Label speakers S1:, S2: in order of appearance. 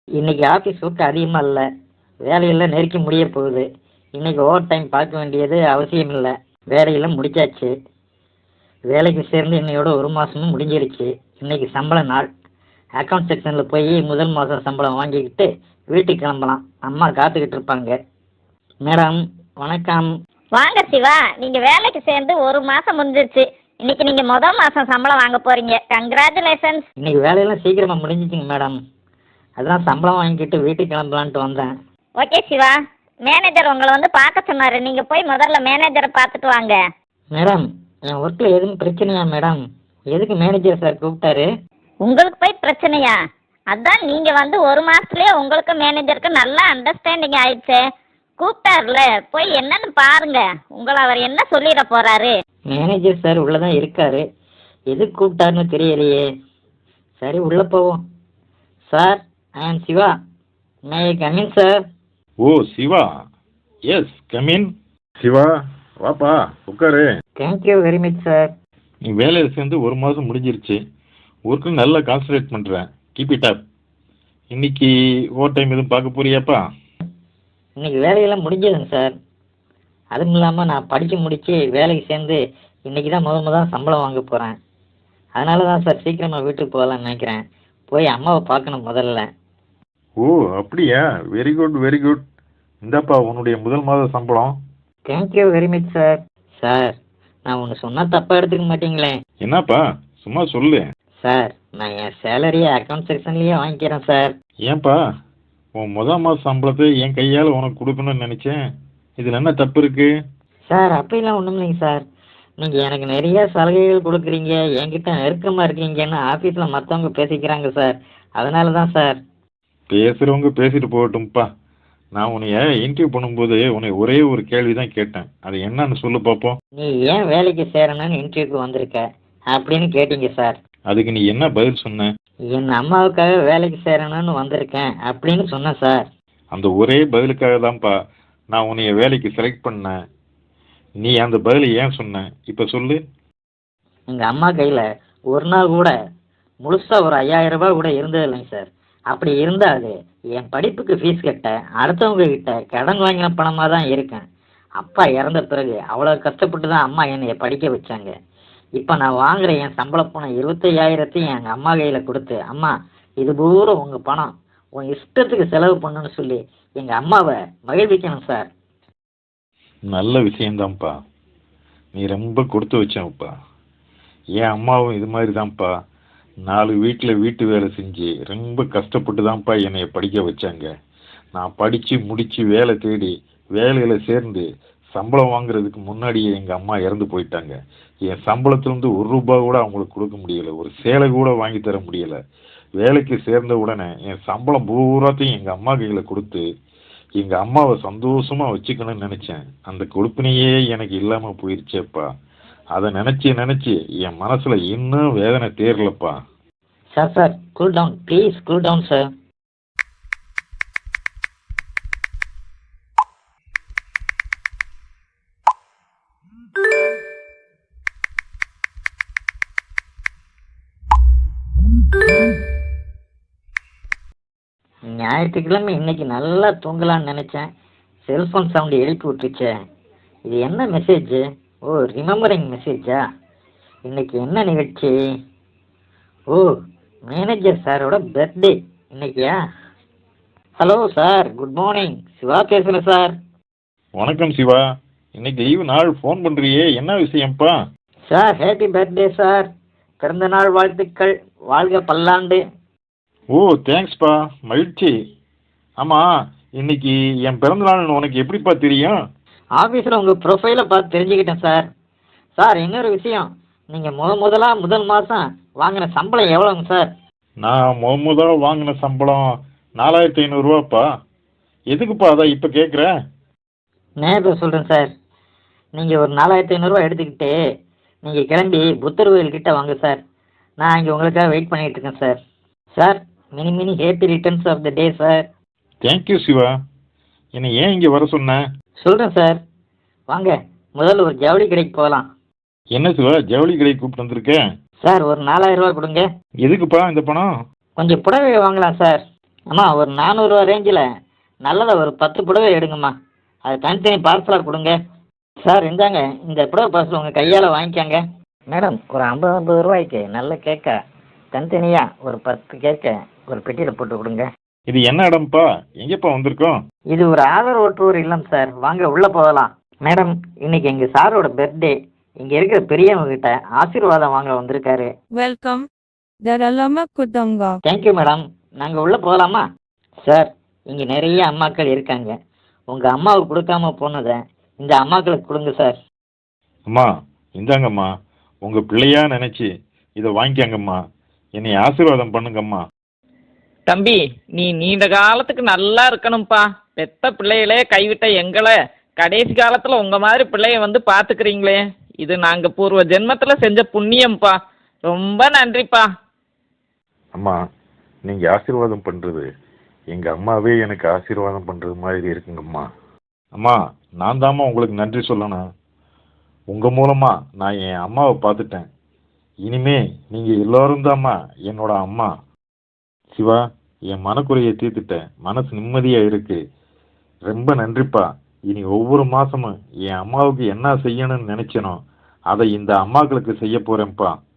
S1: இன்னைக்கு office work அதிகமாக இல்லை, வேலையெல்லாம் நெருக்கி முடிய போகுது. இன்னைக்கு ஓவர் டைம் பார்க்க வேண்டியது அவசியம் இல்லை. வேலையெல்லாம் முடிச்சாச்சு. வேலைக்கு சேர்ந்து இன்னையோட ஒரு மாதமும் முடிஞ்சிருச்சு. இன்னைக்கு சம்பள நாள். அக்கௌண்ட் செக்ஷனில் போய் முதல் மாதம் சம்பளம் வாங்கிக்கிட்டு வீட்டுக்கு கிளம்பலாம். அம்மா காத்துக்கிட்டு இருப்பாங்க. மேடம் வணக்கம்.
S2: வாங்க சிவா, நீங்க வேலைக்கு சேர்ந்து ஒரு மாசம் முடிஞ்சிருச்சு. இன்னைக்கு நீங்க முதல் மாசம் சம்பளம் வாங்க போறீங்க. கங்க்ராச்சுலேஷன்ஸ்.
S1: இன்னைக்கு வேலையெல்லாம் சீக்கிரமாக முடிஞ்சிச்சுங்க மேடம். அதான் சம்பளம் வாங்கிக்கிட்டு வீட்டுக்கு கிளம்பலான்ட்டு வந்தேன்.
S2: ஓகே சிவா, மேனேஜர் உங்களை வந்து பார்க்க சொன்னாரு. நீங்க போய் முதல்ல மேனேஜரை பார்த்துட்டு வாங்க.
S1: மேடம் என் ஒர்க்கில் எதுவும் பிரச்சனையா மேடம்? எதுக்கு மேனேஜர் சார் கூப்பிட்டாரு?
S2: உங்களுக்கு போய் பிரச்சனையா? அதான் நீங்க வந்து ஒரு மாசத்துலயே உங்களுக்கு மேனேஜருக்கு நல்லா அண்டர்ஸ்டாண்டிங் ஆயிடுச்சு. கூப்பிட்டாருல, போய் என்னன்னு பாருங்க. உங்களை அவர் என்ன சொல்லிட போறாரு?
S1: மேனேஜர் சார் உள்ளதான் இருக்காரு. எதுக்கு கூப்பிட்டாருன்னு தெரியலையே. சரி உள்ள போவோம். Sir I am Siva. May I come in sir?
S3: Oh Siva, yes come in. Siva வாப்பா உட்காரு.
S1: Thank you very much sir.
S3: நீ வேலையில் சேர்ந்து ஒரு மாதம் முடிஞ்சிருச்சு. ஒர்க்கு நல்லா கான்சன்ட்ரேட் பண்ணுறேன். Keep it up. இன்னைக்கு ஓவர் டைம் எதுவும் பார்க்க போறியாப்பா?
S1: இன்னைக்கு வேலையெல்லாம் முடிஞ்சதுங்க சார். அதுவும் இல்லாமல் நான் படித்து முடித்து வேலைக்கு சேர்ந்து இன்னைக்கு தான் முதல் சம்பளம் வாங்க போகிறேன். அதனால தான் சார் சீக்கிரமாக வீட்டுக்கு போகலான்னு நினைக்கிறேன். போய் அம்மாவை பார்க்கணும் முதல்ல.
S3: ஓ அப்படியா, வெரி குட் வெரி குட். இந்தாப்பா உன்னுடைய முதல் மாத சம்பளம்.
S1: Thank you very much sir. Sir நான் ஒன்று சொன்னால் தப்பாக எடுத்துக்க மாட்டீங்களே?
S3: என்னப்பா சும்மா சொல்லு.
S1: சார் நான் என் சேலரியை அக்கௌண்ட் செக்ஷன்லேயே வாங்கிக்கிறேன் சார்.
S3: ஏன்பா உன் முதல் மாத சம்பளத்தை என் கையால் உனக்கு கொடுக்கணும்னு நினச்சேன். இதில் என்ன தப்பு இருக்கு?
S1: சார் அப்படிலாம் ஒன்றும் இல்லைங்க சார். நீங்கள் எனக்கு நிறைய சலுகைகள் கொடுக்குறீங்க, என்கிட்ட நெருக்கமாக இருக்கீங்கன்னு ஆஃபீஸில் மற்றவங்க பேசிக்கிறாங்க சார். அதனால தான் சார்.
S3: பேசுகிறவங்க பேசிட்டு போகட்டும்ப்பா. நான் உன்னைய இன்டர்வியூ பண்ணும்போது உன்னை ஒரே ஒரு கேள்வி தான் கேட்டேன். அது என்னன்னு சொல்லு பார்ப்போம்.
S1: நீ ஏன் வேலைக்கு சேரணும்னு இன்டர்வியூக்கு வந்திருக்க அப்படின்னு கேட்டீங்க சார்.
S3: அதுக்கு நீ என்ன பதில் சொன்ன?
S1: என் அம்மாவுக்காக வேலைக்கு சேரணும்னு வந்திருக்கேன் அப்படின்னு சொன்னேன் சார்.
S3: அந்த ஒரே பதிலுக்காக தான்ப்பா நான் உன்னைய வேலைக்கு செலக்ட் பண்ணேன். நீ அந்த பதிலை ஏன் சொன்ன இப்போ சொல்லு.
S1: எங்கள் அம்மா கையில் ஒரு நாள் கூட முழுசாக ஒரு 5000 ரூபாய் கூட இருந்தது இல்லைங்க சார். அப்படி இருந்தால் அது என் படிப்புக்கு ஃபீஸ் கட்ட அடுத்தவங்க கிட்ட கடன் வாங்கின பணமாக தான் இருக்கேன். அப்பா இறந்த பிறகு அவ்வளோ கஷ்டப்பட்டு தான் அம்மா என்னை படிக்க வச்சாங்க. இப்போ நான் வாங்குற என் சம்பள பணம் 25,000 எங்கள் அம்மா கையில் கொடுத்து, அம்மா இது பூரா உங்கள் பணம், உன் இஷ்டத்துக்கு செலவு பண்ணுன்னு சொல்லி எங்கள் அம்மாவை மகிழ்விக்கணும் சார்.
S3: நல்ல விஷயந்தான்ப்பா. நீ ரொம்ப கொடுத்து வச்சப்பா. என் அம்மாவும் இது மாதிரி தான்ப்பா. 4 வீட்டில் வீட்டு வேலை செஞ்சு ரொம்ப கஷ்டப்பட்டு தான்ப்பா என்னைய படிக்க வச்சாங்க. நான் படித்து முடித்து வேலை தேடி வேலையில் சேர்ந்து சம்பளம் வாங்குறதுக்கு முன்னாடியே எங்கள் அம்மா இறந்து போயிட்டாங்க. என் சம்பளத்துலேருந்து 1 ரூபாய் கூட அவங்களுக்கு கொடுக்க முடியலை. ஒரு சேலை கூட வாங்கி தர முடியலை. வேலைக்கு சேர்ந்த உடனே என் சம்பளம் பூராத்தையும் எங்கள் அம்மா கையில் கொடுத்து எங்கள் அம்மாவை சந்தோஷமாக வச்சுக்கணும்னு நினச்சேன். அந்த கொடுப்பினையே எனக்கு இல்லாமல் போயிடுச்சேப்பா. அதை நினச்சி என் மனசில் இன்னும் வேதனை தேரலப்பா.
S1: Sir cool down please, cool down sir. ஞாயிற்றுக்கிழமை இன்னைக்கு நல்லா தூங்கலான்னு நினச்சேன். செல்ஃபோன் சவுண்டு எழுப்பி விட்டுருச்சே. இது என்ன மெசேஜ்? ஓ ரிமெம்பரிங் மெசேஜா? இன்னைக்கு என்ன நிகழ்ச்சி? ஓ மேனேஜர் சாரோட பர்த்டே இன்னைக்கியா? Hello sir, good morning. Siva பேசுகிறேன் சார்.
S3: வணக்கம் சிவா. இன்னைக்கு லீவு நாள் ஃபோன் பண்ணுறியே, என்ன விஷயம்ப்பா?
S1: Sir happy birthday sir. பிறந்தநாள் வாழ்த்துக்கள். வாழ்க பல்லாண்டு.
S3: ஓ தேங்க்ஸ்ப்பா, மகிழ்ச்சி. ஆமாம் இன்னைக்கு என் பிறந்தநாள்னு உனக்கு எப்படிப்பா தெரியும்?
S1: ஆஃபீஸில் உங்கள் ப்ரொஃபைலை பார்த்து தெரிஞ்சுக்கிட்டேன் சார். சார் இன்னொரு விஷயம், நீங்கள் முதல் மாதம் வாங்கின சம்பளம் எவ்வளோங்க சார்?
S3: நான் முதல்ல வாங்கின சம்பளம் 4,500 ரூபாப்பா. எதுக்குப்பா அதான் இப்போ கேட்குற?
S1: நேரில் சொல்கிறேன் சார். நீங்கள் ஒரு 4,500 ரூபா எடுத்துக்கிட்டு நீங்கள் கிளம்பி புத்தர் கோயில்கிட்ட வாங்க சார். நான் இங்கே உங்களுக்காக வெயிட் பண்ணிகிட்டு இருக்கேன் sir. Sir many happy returns of the day sir.
S3: Thank you Siva. என்னை ஏன் இங்கே வர சொன்ன?
S1: சொல்கிறேன் சார், வாங்க முதல்ல ஒரு ஜவுளி கடைக்கு போகலாம்.
S3: என்ன சிவா ஜவுளி கடைக்கு கூப்பிட்டு வந்திருக்கேன்?
S1: சார் ஒரு 4,000 ரூபா கொடுங்க.
S3: எதுக்குப்பா இந்த பணம்?
S1: கொஞ்சம் புடவை வாங்கலாம் சார். அம்மா ஒரு 400 ரேஞ்சில் நல்லதை ஒரு 10 புடவை எடுங்கம்மா. அது தனித்தனி பார்சலாக கொடுங்க. சார் இந்தாங்க, இந்த புடவை பார்சல் உங்கள் கையால் வாங்கிக்கோங்க. மேடம் ஒரு 50 ரூபாய்க்கு நல்ல கேக்கை தனித்தனியாக ஒரு 10 கேக்கை ஒரு பெட்டியில் போட்டு கொடுங்க.
S3: இது என்ன இடம்ப்பா? எங்கேப்பா வந்திருக்கோம்?
S1: இது ஒரு ஆதரவு டூர் இல்லம் சார், வாங்க உள்ளே போகலாம். மேடம் இன்னைக்கு எங்கள் சாரோட பர்த்டே, இங்கே இருக்கிற பெரியவங்க கிட்ட ஆசீர்வாதம் வாங்க வந்திருக்காரு.
S4: Welcome. Daralama Kudanga.
S1: Thank you madam. நாங்கள் உள்ளே போகலாமா? சார் இங்கே நிறைய அம்மாக்கள் இருக்காங்க. உங்கள் அம்மாவுக்கு கொடுக்காம போனதை இந்த அம்மாக்களுக்கு கொடுங்க சார்.
S3: அம்மா இந்தாங்கம்மா, உங்கள் பிள்ளையா நினச்சி இதை வாங்கிக்கங்கம்மா. என்னை ஆசீர்வாதம் பண்ணுங்கம்மா.
S5: தம்பி, நீ நீண்ட காலத்துக்கு நல்லா இருக்கணும்ப்பா. பெத்த பிள்ளைகளே கைவிட்ட எங்களை கடைசி காலத்தில் உங்கள் மாதிரி பிள்ளைய வந்து பார்த்துக்கிறீங்களே, இது நாங்கள் பூர்வ ஜென்மத்தில் செஞ்ச புண்ணியம்ப்பா. ரொம்ப நன்றிப்பா.
S3: அம்மா நீங்கள் ஆசீர்வாதம் பண்ணுறது எங்கள் அம்மாவே எனக்கு ஆசீர்வாதம் பண்ணுறது மாதிரி இருக்குங்கம்மா. அம்மா நான் தாம்மா உங்களுக்கு நன்றி சொல்லணும். உங்கள் மூலமாக நான் என் அம்மாவை பார்த்துட்டேன். இனிமே நீங்கள் எல்லோரும் தாம்மா என்னோட அம்மா. சிவா, என் மனக்குறையை தீர்த்துட்டேன், மனசு நிம்மதியாக இருக்கு. ரொம்ப நன்றிப்பா. இனி ஒவ்வொரு மாதமும் என் அம்மாவுக்கு என்ன செய்யணும்னு நினச்சனோ அதை இந்த அம்மாக்களுக்கு செய்ய போகிறேன்ப்பா.